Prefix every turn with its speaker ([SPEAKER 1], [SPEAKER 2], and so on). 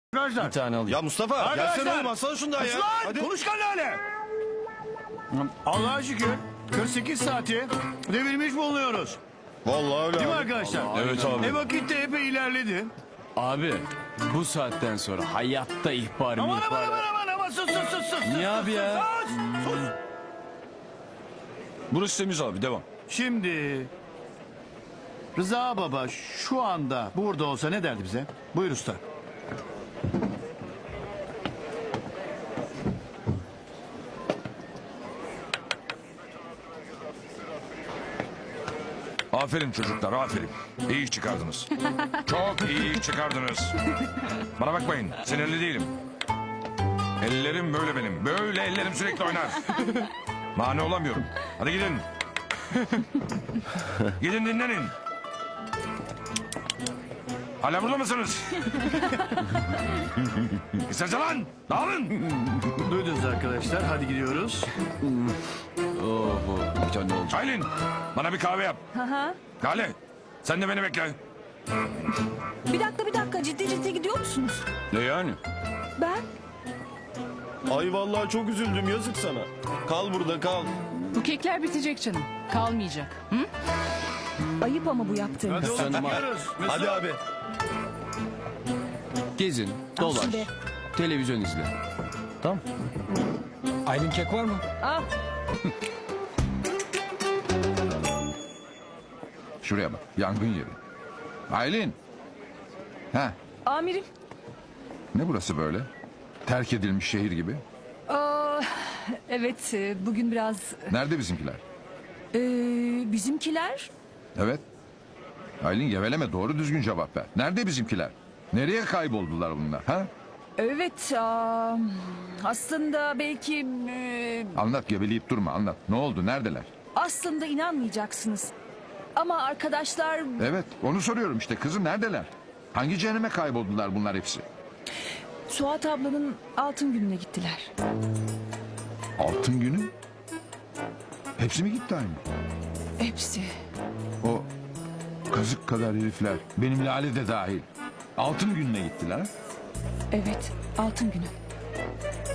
[SPEAKER 1] Arkadaşlar.
[SPEAKER 2] Bir tane alayım.
[SPEAKER 3] Ya Mustafa
[SPEAKER 1] Arkadaşlar.
[SPEAKER 3] gelsene oğlum alsana şundan ya.
[SPEAKER 1] Lan
[SPEAKER 3] Hadi.
[SPEAKER 1] konuşkan lale. Allah'a şükür 48 saati devirmiş bulunuyoruz.
[SPEAKER 3] Vallahi öyle
[SPEAKER 1] Değil mi
[SPEAKER 3] abi.
[SPEAKER 1] arkadaşlar?
[SPEAKER 3] Evet abi.
[SPEAKER 1] Vakit de epey ilerledi.
[SPEAKER 2] Abi bu saatten sonra hayatta ihbar
[SPEAKER 1] Aman
[SPEAKER 2] ihbar.
[SPEAKER 1] aman sus.
[SPEAKER 2] Niye abi ya?
[SPEAKER 1] Sus.
[SPEAKER 3] Burası temiz abi devam.
[SPEAKER 1] Şimdi Rıza Baba şu anda burada olsa ne derdi bize? Buyur usta.
[SPEAKER 4] Aferin çocuklar, aferin. İyi iş çıkardınız. Çok iyi iş çıkardınız. Bana bakmayın, sinirli değilim. Ellerim böyle benim. Böyle ellerim sürekli oynar. Mani olamıyorum. Hadi gidin. Gidin dinlenin. Hala burada mısınız? Gitsenize lan! Dağılın!
[SPEAKER 1] Duydunuz arkadaşlar, hadi gidiyoruz.
[SPEAKER 2] Oho, bir tane olacak.
[SPEAKER 4] Aylin, bana bir kahve yap. Lale, sen de beni bekle.
[SPEAKER 5] Bir dakika ciddi gidiyor musunuz?
[SPEAKER 2] Ne yani?
[SPEAKER 5] Ben?
[SPEAKER 3] Ay vallahi çok üzüldüm yazık sana. Kal burada kal.
[SPEAKER 6] Bu kekler bitecek canım. Kalmayacak. Hı?
[SPEAKER 5] Ayıp ama bu yaptığınız.
[SPEAKER 1] Hadi oğlum
[SPEAKER 2] Sen de-
[SPEAKER 1] gidiyoruz.
[SPEAKER 3] Hadi abi.
[SPEAKER 2] Gezin, dolaş,
[SPEAKER 5] şunu be.
[SPEAKER 2] televizyon izle. Tamam. Aylin kek var mı?
[SPEAKER 5] Al.
[SPEAKER 7] Şuraya bak. Yangın yeri. Aylin. Ha,
[SPEAKER 5] Amirim.
[SPEAKER 7] ne burası böyle? Terk edilmiş şehir gibi.
[SPEAKER 5] Evet bugün biraz
[SPEAKER 7] Nerede bizimkiler?
[SPEAKER 5] bizimkiler.
[SPEAKER 7] Evet. Aylin geveleme, doğru düzgün cevap ver. Nerede bizimkiler? Nereye kayboldular bunlar? Ha?
[SPEAKER 5] Evet aslında belki
[SPEAKER 7] Anlat, geveleyip durma, anlat. Ne oldu? Neredeler?
[SPEAKER 5] aslında inanmayacaksınız. Ama arkadaşlar
[SPEAKER 7] Evet, onu soruyorum işte. Kızım neredeler? Hangi cehenneme kayboldular bunlar hepsi?
[SPEAKER 5] Suat ablanın altın gününe gittiler.
[SPEAKER 7] Altın günü? Hepsi mi gitti aynı?
[SPEAKER 5] Hepsi.
[SPEAKER 7] O kazık kadar herifler. Benim Lale de dahil. Altın gününe gittiler.
[SPEAKER 5] Evet altın günü.